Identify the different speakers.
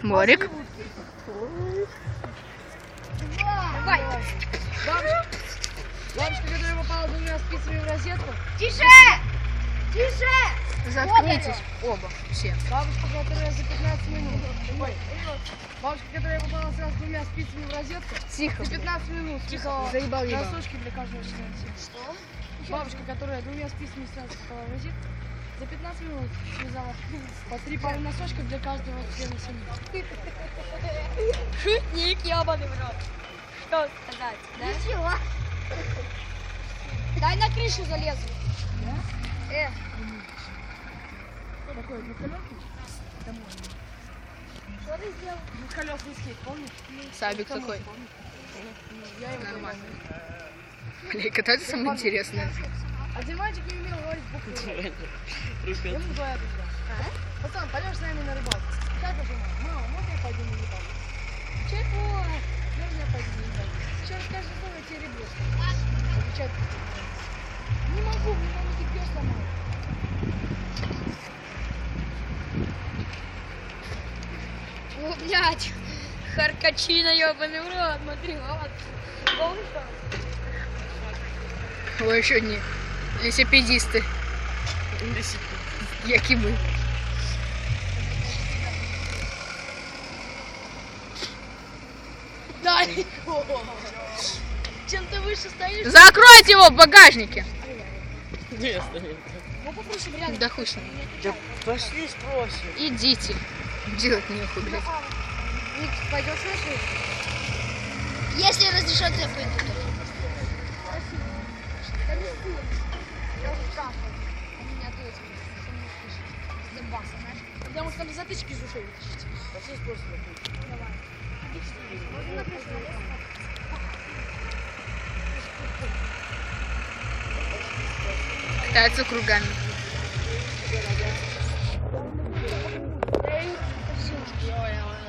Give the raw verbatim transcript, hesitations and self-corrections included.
Speaker 1: Морик.
Speaker 2: Давай. Бабушка, бабушка, которая попала двумя спицами в розетку.
Speaker 3: Тише! Тише!
Speaker 1: Заткнитесь оба, все.
Speaker 2: Бабушка, которая за пятнадцать минут. Ой. Бабушка, которая попала сразу двумя спицами в розетку.
Speaker 1: Тихо.
Speaker 2: За пятнадцать минут. Тихо.
Speaker 1: Заебал, ебал.
Speaker 2: Носочки для каждого члена семьи. Что? Бабушка, которая двумя спицами сразу попала в розетку. За пятнадцать минут связала по три пары носочков для каждого члена семьи.
Speaker 3: Шутник, ебаный в рот. Что сказать, да? Ничего. Дай на крышу залезу. Да? Э.
Speaker 2: Какой, двухколесный? Домой.
Speaker 3: Что ты сделал?
Speaker 2: Двухколесный скейт, помнишь?
Speaker 1: Сабик такой.
Speaker 2: Я его
Speaker 1: Нормально. Бля, кататься самое интересное.
Speaker 2: Один мальчик не умел говорить буквы. Ему говорят уже. Пацан, пойдем с нами на рыбалку. Как же мама? Мама, можно я пойду на рыбалку? Чего? Можно я пойду на рыбалку? Сейчас скажешь, что я тебе ребёшь. Отвечает. Не могу, мне мама тебе сломала.
Speaker 3: О, блядь. Харкачина, ебаный в рот. Смотри, вот. Помнишь?
Speaker 1: Ой, еще одни лесопедисты. Як и мы.
Speaker 2: Далеко. Чем ты выше стоишь?
Speaker 1: Закройте его в багажнике.
Speaker 2: Ну попроси, блядь.
Speaker 1: Да хуй с ним.
Speaker 4: Да пошли спросим.
Speaker 1: Идите. Делать нехуй, блядь.
Speaker 2: Ник, пойдешь на шею?
Speaker 3: Если разрешат, я пойду.
Speaker 2: Я уже трахал. Они не ответили. С дымбаса, знаешь? Потому что там затычки из ушей вытащить.
Speaker 4: Пошли спросим.
Speaker 2: Давай. Можно на крышу залезть?
Speaker 1: Катаются кругами.